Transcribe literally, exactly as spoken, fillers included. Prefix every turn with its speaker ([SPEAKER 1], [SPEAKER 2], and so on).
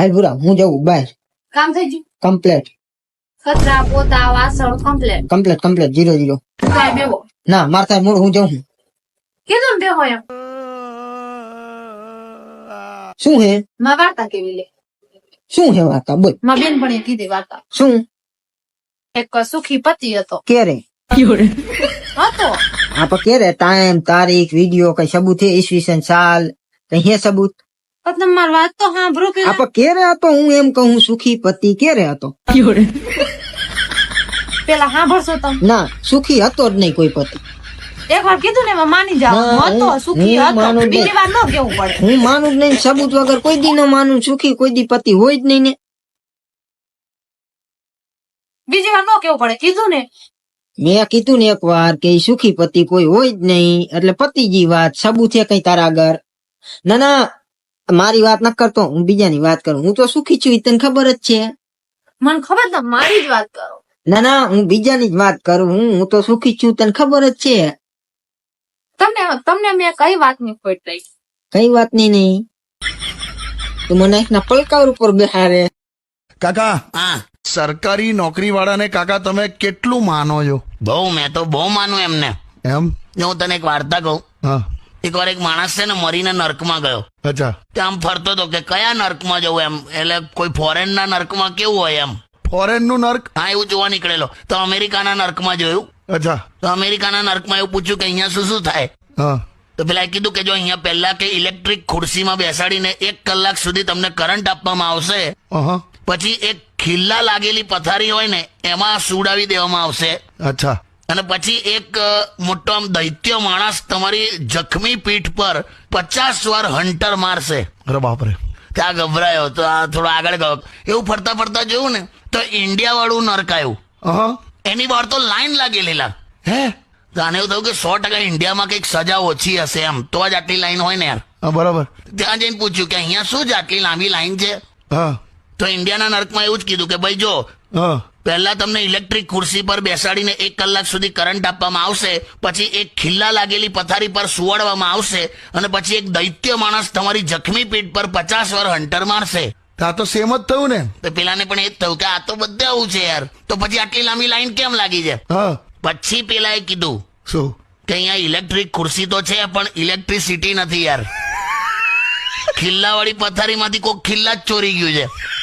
[SPEAKER 1] હાલ ભૂરા હું જવું બહાર.
[SPEAKER 2] કામ થઈ ગયું?
[SPEAKER 1] કમ્પ્લેટ
[SPEAKER 2] કચરા પોતા વાસણ complete.
[SPEAKER 1] Complete complete zero zero.
[SPEAKER 2] કાંઈ બેવો
[SPEAKER 1] ના માર થાય મૂળ હું જાઉં.
[SPEAKER 2] કીધું ને બેહો એમ.
[SPEAKER 1] શું હે
[SPEAKER 2] માં વાર્તા કેવી લે?
[SPEAKER 1] શું હે વાર્તા બોલ.
[SPEAKER 2] માં બેનપણીએ કીધી વાર્તા.
[SPEAKER 1] શું
[SPEAKER 2] એક સુખી પતિ હતો.
[SPEAKER 1] ક્યારે
[SPEAKER 2] હતો
[SPEAKER 1] આપડે ક્યારે ટાઈમ તારીખ વિડીયો કઈ સબૂત છે ઈસવીસન સાલ કઈ હે સબૂત?
[SPEAKER 2] પણ તમે મારી વાત તો સાંભળો પેલા.
[SPEAKER 1] આપડે ક્યારે હતો હું એમ કહું સુખી પતિ ક્યારે હતો?
[SPEAKER 2] પેલા સાંભળશો તમે?
[SPEAKER 1] ના સુખી હતો જ નહીં કોઈ પતિ.
[SPEAKER 2] એક વાર કીધું ને એમાં માની જાવ.
[SPEAKER 1] ના,
[SPEAKER 2] હતો
[SPEAKER 1] હું-
[SPEAKER 2] સુખી
[SPEAKER 1] હું
[SPEAKER 2] હતો
[SPEAKER 1] માનું જ
[SPEAKER 2] બીજી
[SPEAKER 1] નહીં.
[SPEAKER 2] વાર ન કેવું પડે.
[SPEAKER 1] હું માનું જ નહીં સબૂત વગર કોઈ દી ન માનું. સુખી કોઈ દી પતિ હોય જ નહીં ને.
[SPEAKER 2] બીજી વાર ન કેવું પડે. કીધું ને
[SPEAKER 1] મેં કીધું ને એક વાર કે ઈ સુખી પતિ કોઈ હોય જ નહીં એટલે પતિજી વાત સબૂત છે કઈ તારા આગળ? ના ના મારી વાત ન કરતો હું બીજાની વાત કરું. હું તો સુખી છું ઈ તને ખબર જ છે.
[SPEAKER 2] મને ખબર તમે મારી જ વાત કરો.
[SPEAKER 1] ના ના હું બીજાની જ વાત કરું. હું હું તો સુખી છું તને ખબર જ છે.
[SPEAKER 2] તમને તમને મેં કઈ વાતની ખોટ રહી?
[SPEAKER 1] કઈ વાત નહીં નહીં તું મને એકના પલકાર ઉપર બેહારે.
[SPEAKER 3] કાકા
[SPEAKER 4] હા
[SPEAKER 3] સરકારી નોકરી વાળાને કાકા તમે કેટલું માનો છો?
[SPEAKER 4] બહુ મેં તો બહુ માનું એમને.
[SPEAKER 3] એમ?
[SPEAKER 4] જો હું તને એક વાર્તા કહું.
[SPEAKER 3] હા
[SPEAKER 4] એક વાર એક માણસ છે ને મરીને નર્કમાં ગયો.
[SPEAKER 3] અચ્છા
[SPEAKER 4] ત્યાં આમ ફરતો હતો કે કયા નર્કમાં જવું એમ. એટલે કોઈ ફોરેન ના નર્કમાં કેવું હોય એમ.
[SPEAKER 3] ફોરેન નું નર્ક?
[SPEAKER 4] હા એવું જોવા નીકળેલો તો અમેરિકાના નર્કમાં જોયું.
[SPEAKER 3] અચ્છા
[SPEAKER 4] તો અમેરિકાના નર્કમાં એવું પૂછ્યું કે અહીંયા શું શું થાય.
[SPEAKER 3] હા
[SPEAKER 4] તો પેલા કીધું કે જો અહીંયા પહેલા કે ઇલેક્ટ્રિક ખુરશીમાં બેસાડીને એક કલાક સુધી તમને કરંટ આપવામાં આવશે.
[SPEAKER 3] અહં.
[SPEAKER 4] પછી એક ખિલ્લા લાગેલી પથારી હોય ને એમાં સુડાવી દેવામાં આવશે.
[SPEAKER 3] અચ્છા
[SPEAKER 4] અને પછી એક અ, મોટો આમ દૈત્ય માણસ તમારી જખમી પીઠ પર પચાસ વાર હંટર મારશે.
[SPEAKER 3] અરે બાપરે.
[SPEAKER 4] ત્યાં ગભરાયો તો આ થોડો આગળ ગયો. એવું ફરતા ફરતા જોયું ને તો ઇન્ડિયા વાળું નર્ક આવ્યું.
[SPEAKER 3] અહં.
[SPEAKER 4] એની બહાર તો લાઈન લાગેલી લા.
[SPEAKER 3] હે?
[SPEAKER 4] તો આને એવું થયું કે સો ટકા ઇન્ડિયામાં કંઈક સજા ઓછી હશે એમ તો જ આટલી લાઈન હોય ને યાર.
[SPEAKER 3] હા બરાબર.
[SPEAKER 4] ત્યાં જઈને પૂછ્યું કે અહીંયા શું જ આટલી લાંબી લાઈન છે.
[SPEAKER 3] હા
[SPEAKER 4] તો ઇન્ડિયાના નર્કમાં એવું જ કીધું કે ભાઈ જો
[SPEAKER 3] હા
[SPEAKER 4] પહેલા તમને ઇલેક્ટ્રિક ખુરશી પર બેસાડીને એક કલાક સુધી કરંટ આપવામાં આવશે. પછી એક ખિલ્લા લાગેલી પથારી પર સુવાડવામાં આવશે અને પછી એક દૈત્ય માણસ તમારી જખમી પીઠ પર પચાસ વાર હંટર મારશે.
[SPEAKER 3] આ તો સેમ જ થયું ને.
[SPEAKER 4] તો પેલાને પણ એ જ થયું કે આ તો બધે આવું છે યાર. તો પછી આટલી લાંબી લાઈન કેમ લાગી છે?
[SPEAKER 3] હા
[SPEAKER 4] પછી પેલાએ કીધું
[SPEAKER 3] શું?
[SPEAKER 4] કે અહીંયા ઇલેક્ટ્રિક ખુરશી તો છે પણ ઇલેક્ટ્રિસિટી નથી યાર. ખિલ્લા વાળી પથારીમાંથી કોઈ ખિલ્લા જ ચોરી ગયું છે.